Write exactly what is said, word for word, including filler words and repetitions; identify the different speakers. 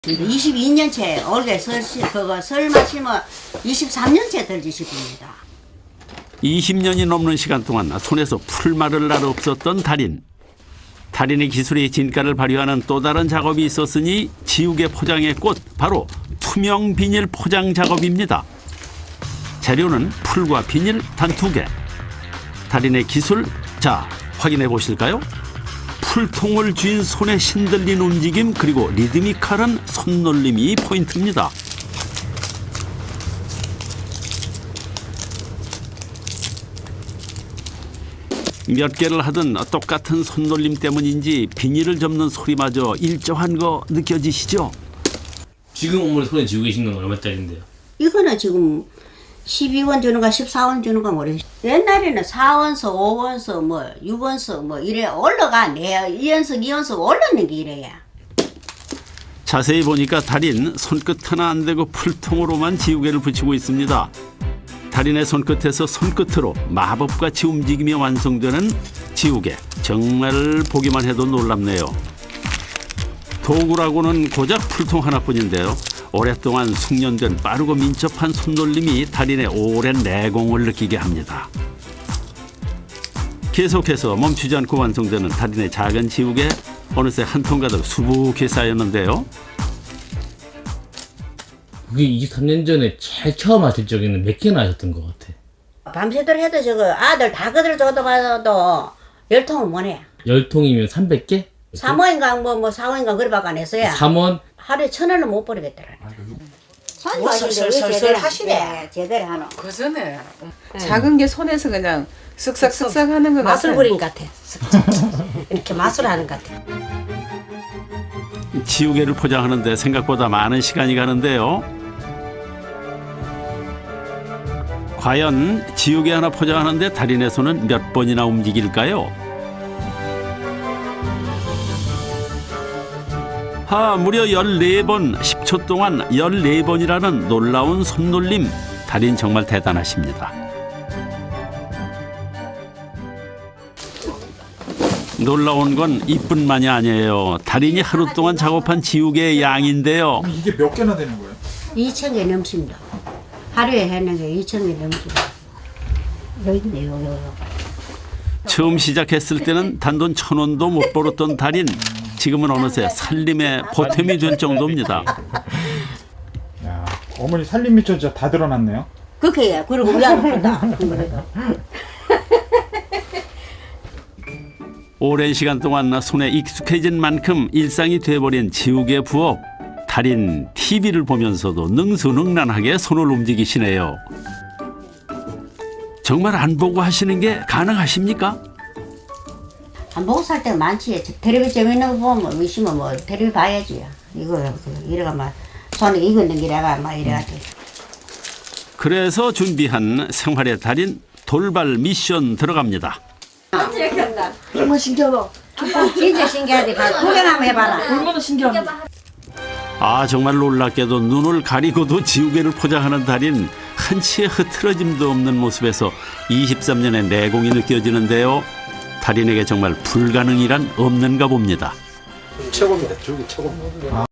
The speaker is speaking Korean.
Speaker 1: 이십이 년째 올해 설, 그거 설 마시면 이십삼 년째 들지십입니다.
Speaker 2: 이십 년이 넘는 시간 동안 손에서 풀 마를 날 없었던 달인. 달인의 기술이 진가를 발휘하는 또 다른 작업이 있었으니 지우개 포장의 꽃, 바로 투명 비닐 포장 작업입니다. 재료는 풀과 비닐 단 두 개. 달인의 기술, 자, 확인해 보실까요? 풀통을 쥔 손의 신들린 움직임, 그리고 리드미컬한 손놀림이 포인트입니다. 몇 개를 하든 똑같은 손놀림 때문인지 비닐을 접는 소리마저 일정한 거 느껴지시죠?
Speaker 3: 지금 어머니 손에 쥐고 계신 건 얼마짜리인데요?
Speaker 1: 이거는 지금 십이 원 주는가 십사 원 주는가 모르겠어요. 옛날에는 사 원서, 오 원서, 뭐 육 원서 뭐 이래 올라가. 내 이 원석, 이 원석 올라는 게 이래야.
Speaker 2: 자세히 보니까 달인 손끝 하나 안 대고 풀통으로만 지우개를 붙이고 있습니다. 달인의 손끝에서 손끝으로 마법같이 움직이며 완성되는 지우개. 정말 보기만 해도 놀랍네요. 도구라고는 고작 풀통 하나뿐인데요. 오랫동안 숙련된 빠르고 민첩한 손놀림이 달인의 오랜 내공을 느끼게 합니다. 계속해서 멈추지 않고 완성되는 달인의 작은 지우개. 어느새 한 통 가득 수북히 쌓였는데요.
Speaker 3: 그게 이십삼 년 전에 제일 처음 하실 적에는 몇 개나 하셨던 것 같아?
Speaker 1: 밤새도록 해도 저거 아들 다 그들 줘도 봐도 열 통은 못 해.
Speaker 3: 열 통이면 삼백 개?
Speaker 1: 삼 원인가 뭐뭐 사 원인가 그래밖에 안 했어요.
Speaker 3: 삼 원?
Speaker 1: 하루에 천 원은 못 버리겠더라.
Speaker 4: 뭐 설설설설 하시네.
Speaker 1: 제대로 하노.
Speaker 4: 그 전에 작은 게 손에서 그냥 쓱싹쓱싹 하는 것 같아.
Speaker 5: 마술 부린 것 같아. 이렇게 마술하는 것 같아.
Speaker 2: 지우개를 포장하는데 생각보다 많은 시간이 가는데요. 과연 지우개 하나 포장하는데 달인의 손은 몇 번이나 움직일까요? 하, 무려 열네 번, 십 초 동안 열네 번이라는 놀라운 손놀림. 달인 정말 대단하십니다. 놀라운 건 이뿐만이 아니에요. 달인이 하루 동안 작업한 지우개의 양인데요.
Speaker 6: 이게 몇 개나 되는 거예요?
Speaker 1: 이천 개 넘습니다. 하루에 하는 게 이천 개 넘습니다. 여기 있네요. 여기.
Speaker 2: 처음 시작했을 때는 단돈 천 원도 못 벌었던 달인. 지금은 어느새 살림의 보탬이 된 정도입니다.
Speaker 6: 야, 어머니 살림 미쳐 진짜 다 드러났네요.
Speaker 1: 그렇게 해. 그리고 우리 아들 본다.
Speaker 2: 오랜 시간 동안 손에 익숙해진 만큼 일상이 돼버린 지우개 부업. 달인 티비를 보면서도 능수능란하게 손을 움직이시네요. 정말 안 보고 하시는 게 가능하십니까?
Speaker 1: 안 보고 살 때가 많지. 텔레비 재밌는 거 보면 의심은 뭐 텔레비 봐야지. 이거 이래가 막 손에 익었는 게라가 막 이래가지고.
Speaker 2: 그래서 준비한 생활의 달인 돌발 미션 들어갑니다.
Speaker 1: 정말 신기하다. 진짜 신기하대. 구경 한번 해봐라.
Speaker 4: 얼마나 신기한
Speaker 2: 아, 정말 놀랍게도 눈을 가리고도 지우개를 포장하는 달인. 한치의 흐트러짐도 없는 모습에서 이십삼 년의 내공이 느껴지는데요. 달인에게 정말 불가능이란 없는가 봅니다.
Speaker 7: 최고입니다. 저기 최고입니다.